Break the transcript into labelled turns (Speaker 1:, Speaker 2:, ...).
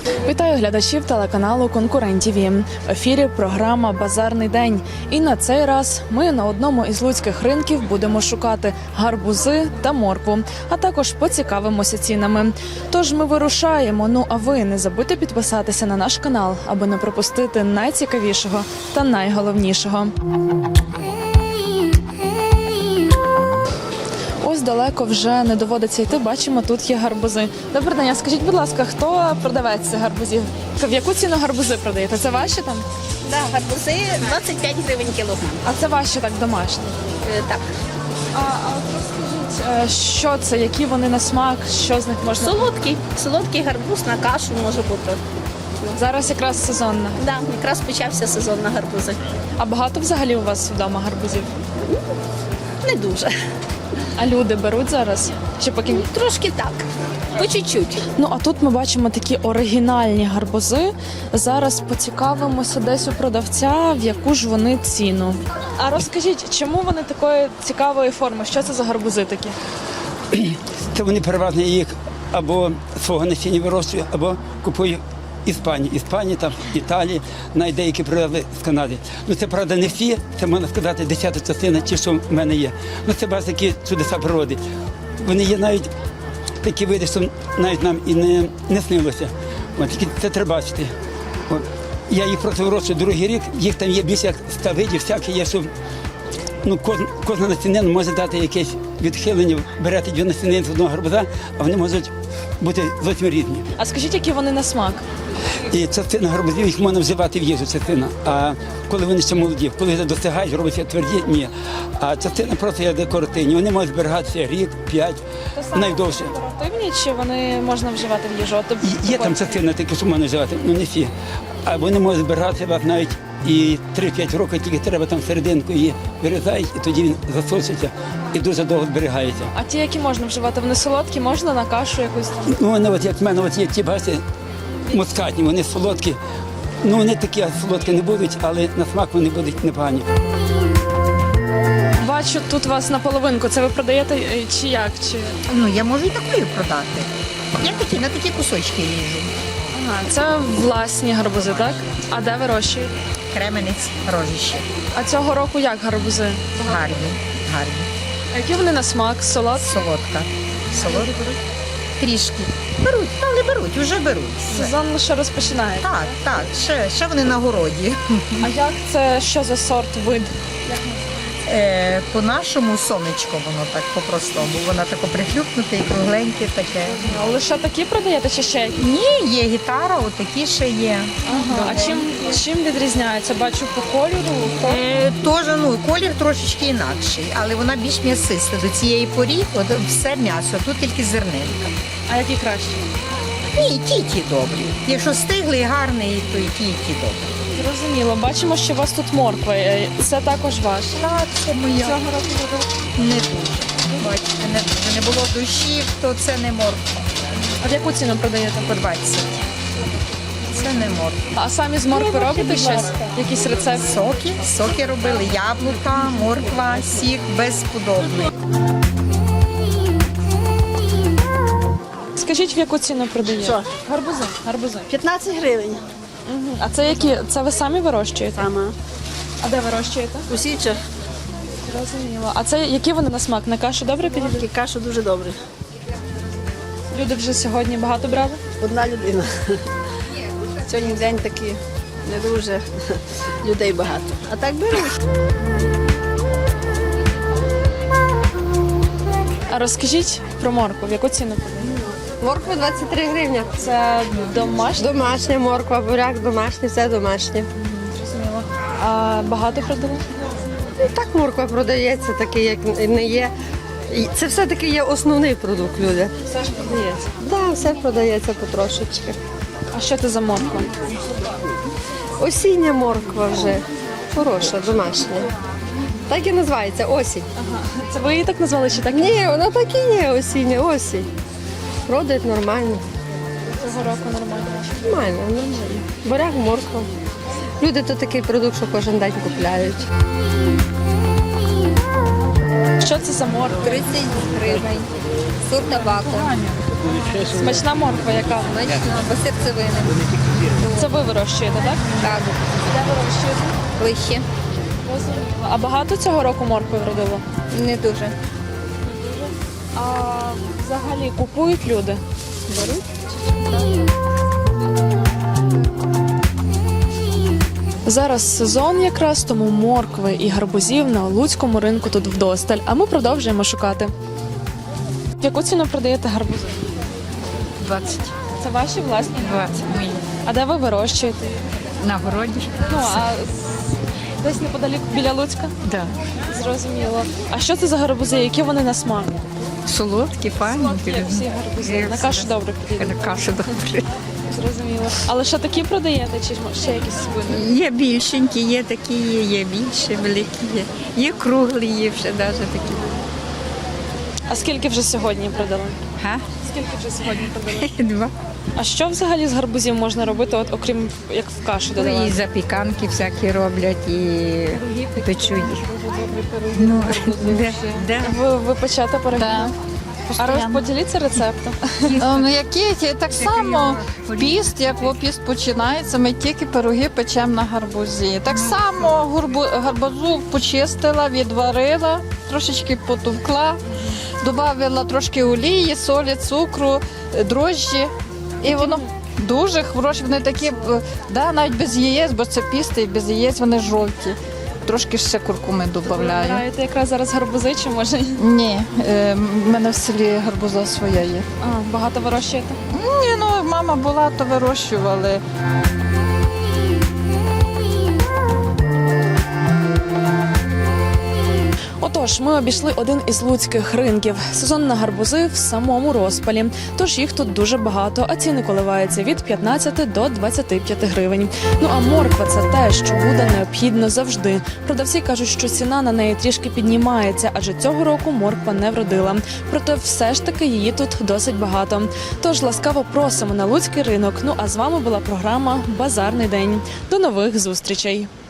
Speaker 1: Вітаю глядачів телеканалу «Конкурент ТІВІ». В ефірі програма «Базарний день». І на цей раз ми на одному із луцьких ринків будемо шукати гарбузи та моркву, а також поцікавимося цінами. Тож ми вирушаємо, а ви не забудьте підписатися на наш канал, аби не пропустити найцікавішого та найголовнішого. Ось далеко вже не доводиться йти, бачимо, тут є гарбузи. Добрий день, а скажіть, будь ласка, хто продавець цих гарбузів? В яку ціну гарбузи продаєте? Це ваші там?
Speaker 2: Да, гарбузи 25 гривень кілограм.
Speaker 1: А це ваші так домашні?
Speaker 2: Так.
Speaker 1: А розкажіть, що це, які вони на смак, що з них можна?
Speaker 2: Солодкий гарбуз на кашу може бути.
Speaker 1: Зараз якраз сезонна.
Speaker 2: Да, якраз почався сезон на гарбузи.
Speaker 1: А багато взагалі у вас вдома гарбузів?
Speaker 2: Не дуже.
Speaker 1: А люди беруть зараз? Чи поки?
Speaker 2: Трошки так, по чуть-чуть.
Speaker 1: А тут ми бачимо такі оригінальні гарбузи. Зараз поцікавимося десь у продавця, в яку ж вони ціну. А розкажіть, чому вони такої цікавої форми? Що це за гарбузи такі?
Speaker 3: Це вони переважно їх або свого насіння вирощують, або купують Іспанії, там, Італії, навіть деякі привезли з Канади. Це, правда, не всі, це, можна сказати, 10-та частина, ті, що в мене є. Це такі чудеса природи. Вони є навіть такі види, що навіть нам і не снилося. Це треба бачити. Я їх просто вирощую другий рік, їх там є більше як 100 видів, всякі є, що кожна насінина може дати якесь відхилення, берете дві насінини з одного гарбуза, а вони можуть бути зовсім різні.
Speaker 1: А скажіть, які вони на смак?
Speaker 3: І частина гарбузів їх можна вживати в їжу, частина. А коли вони ще молоді, коли вже достигають, робиться тверді, ні. А частина просто є декоративні. Вони можуть зберігатися рік, 5, найдовше.
Speaker 1: Декоративні чи вони можна вживати в їжу?
Speaker 3: Є там частина такі, що можна вживати, не всі. А вони можуть зберігатися навіть і 3-5 років, тільки треба там серединку її вирізають, і тоді він засушиться і дуже довго зберігається.
Speaker 1: А ті, які можна вживати, вони солодкі, можна на кашу якусь?
Speaker 3: Вони, як в мене, є ті, бачите, мускатні, вони солодкі. Вони такі солодкі не будуть, але на смак вони будуть непогані.
Speaker 1: Бачу, тут вас наполовинку. Це ви продаєте чи як?
Speaker 4: Я можу і такою продати. Я на такі кусочки ріжу.
Speaker 1: Ага, це власні гарбузи, так? А де вирощуєте?
Speaker 4: Кременець, рожище.
Speaker 1: А цього року як гарбузи?
Speaker 4: Гарні.
Speaker 1: А які вони на смак? Солодкі?
Speaker 4: Солодка. Трішки. Беруть, але беруть, вже беруть.
Speaker 1: Сезон лише розпочинає.
Speaker 4: Так, ще вони на городі.
Speaker 1: А як це, що за сорт, вид?
Speaker 4: По-нашому сонечко воно так по-простому. Воно таке прихлюпнуте і кругленьке таке.
Speaker 1: А лише такі продаєте чи ще які?
Speaker 4: Ні, є гітара, отакі ще є.
Speaker 1: Ага. А чим відрізняється? Бачу по кольору.
Speaker 4: Теж, колір трошечки інакший, але вона більш м'ясиста. До цієї порі все м'ясо, тут тільки зернинка.
Speaker 1: А які краще?
Speaker 4: Ні, ті добрі. Якщо стиглий, гарний, то і ті добрі.
Speaker 1: Зрозуміло. Бачимо, що у вас тут морква. Це також ваш.
Speaker 4: Так, це моя.
Speaker 1: Цього року
Speaker 4: Не дуже. Бачите, не дуже. Не було дощів, то це не морква.
Speaker 1: А в яку ціну продаєте?
Speaker 4: По 20. Це не морква.
Speaker 1: А самі з моркви робите щось? Якийсь рецепт?
Speaker 4: Соки робили, яблука, морква, сік безподобний.
Speaker 1: Скажіть, в яку ціну продаєте?
Speaker 2: Що?
Speaker 1: Гарбузи.
Speaker 2: 15 гривень.
Speaker 1: А це які? Це ви самі вирощуєте?
Speaker 2: Сама.
Speaker 1: А де вирощуєте?
Speaker 2: У Січах
Speaker 1: Зрозуміло. А це які вони на смак? На кашу добре підійдуть?
Speaker 2: каша дуже добре.
Speaker 1: Люди вже сьогодні багато брали?
Speaker 2: Одна людина. Сьогодні день такий не дуже людей багато. А так беруть.
Speaker 1: А розкажіть про моркву, в яку ціну продаєте?
Speaker 5: Морква 23 гривні.
Speaker 1: Це домашня?
Speaker 5: Домашня морква, буряк домашній, все домашнє.
Speaker 1: Зрозуміло. А багато продали?
Speaker 5: Так морква продається, такий, як не є. Це все-таки є основний продукт, люди.
Speaker 1: Все ж продається.
Speaker 5: Так, все продається потрошечки.
Speaker 1: А що це за морква?
Speaker 5: Осіння морква вже. Хороша, домашня. Так і називається осінь.
Speaker 1: Це ви її так назвали чи так?
Speaker 5: Ні, вона так і є осіння, осінь. Родить нормально.
Speaker 1: Цього року нормально.
Speaker 5: Нормально. Буряк, морква. Люди то такий продукт, що кожен день купляють.
Speaker 1: Що це за морква?
Speaker 6: 30 гривень. Сорт табаку.
Speaker 1: Смачна морква, яка?
Speaker 6: Смачно, бо серцевини.
Speaker 1: Це ви вирощуєте, так?
Speaker 6: Так,
Speaker 1: Де вирощуєте?
Speaker 6: вище.
Speaker 1: Розуміло. А багато цього року моркви вродило?
Speaker 6: Не дуже.
Speaker 1: А взагалі купують люди? Зараз сезон якраз, тому моркви і гарбузів на луцькому ринку тут вдосталь, а ми продовжуємо шукати. В яку ціну продаєте гарбузи?
Speaker 7: 20.
Speaker 1: Це ваші власні?
Speaker 7: 20 мої.
Speaker 1: А де ви вирощуєте?
Speaker 7: На городі?
Speaker 1: Ну, а десь неподалік біля Луцька?
Speaker 7: Да.
Speaker 1: Зрозуміло. А що це за гарбузи? Які вони на смак?
Speaker 7: Солодкі, файні.
Speaker 1: Як всі гарбузи. На кашу добре підійдуть.
Speaker 7: На кашу добре.
Speaker 1: Зрозуміло. Але що такі продаєте, чи ще якісь свини?
Speaker 7: Є більшенькі, є такі, є більше, великі є. Є круглі, є ще навіть такі.
Speaker 1: А скільки вже сьогодні продали?
Speaker 7: Га?
Speaker 1: Скільки вже сьогодні продали?
Speaker 7: 2.
Speaker 1: А що взагалі з гарбузів можна робити, от окрім як в кашу
Speaker 7: І
Speaker 1: додавати?
Speaker 7: запіканки всякі роблять, і печуть їх. Ну, да.
Speaker 1: Ви печете пироги?
Speaker 8: Так.
Speaker 1: А поділіться рецептом.
Speaker 8: Ну, які так само в піст, як в піст починається, ми тільки пироги печемо на гарбузі. Так само гарбузу почистила, відварила, трошечки потовкла, додала трошки олії, солі, цукру, дрожжі. І воно дуже хороше. Вони такі, да, навіть без яєць, бо це пісти, і без яєць вони жовті. Трошки ще куркуми додаю.
Speaker 1: Граєте якраз зараз гарбузи чи може?
Speaker 8: Ні, в мене в селі гарбуза своя є.
Speaker 1: А, багато вирощуєте?
Speaker 8: Ні, ну мама була, то вирощували.
Speaker 1: Отож, ми обійшли один із луцьких ринків. Сезон на гарбузи в самому розпалі. Тож їх тут дуже багато, а ціни коливаються від 15 до 25 гривень. Ну а морква – це те, що буде необхідно завжди. Продавці кажуть, що ціна на неї трішки піднімається, адже цього року морква не вродила. Проте все ж таки її тут досить багато. Тож ласкаво просимо на луцький ринок. Ну а з вами була програма «Базарний день». До нових зустрічей!